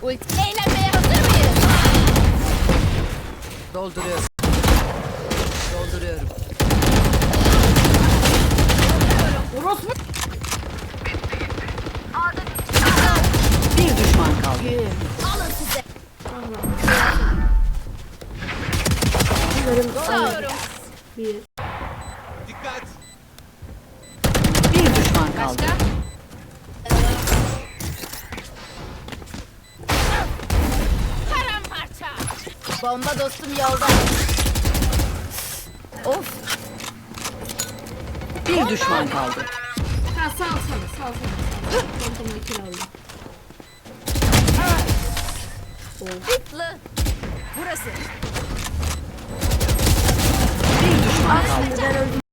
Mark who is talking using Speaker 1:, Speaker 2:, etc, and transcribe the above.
Speaker 1: Eğlenmeye hazır mıyız?
Speaker 2: Dolduruyorum. Dolduruyorum.
Speaker 3: Orospu.
Speaker 2: Bir düşman kaldı.
Speaker 1: Alın size.
Speaker 3: Alıyorum. Bir.
Speaker 4: Dikkat!
Speaker 2: Bir düşman kaldı.
Speaker 1: Başka? Paramparça. Bomba dostum yolda. Of.
Speaker 2: Bir düşman kaldı.
Speaker 3: Ha sal. Kontamını kill aldım.
Speaker 1: Hitlı. Burası.
Speaker 2: Bir düşman kaldı.
Speaker 3: Ben öldüm.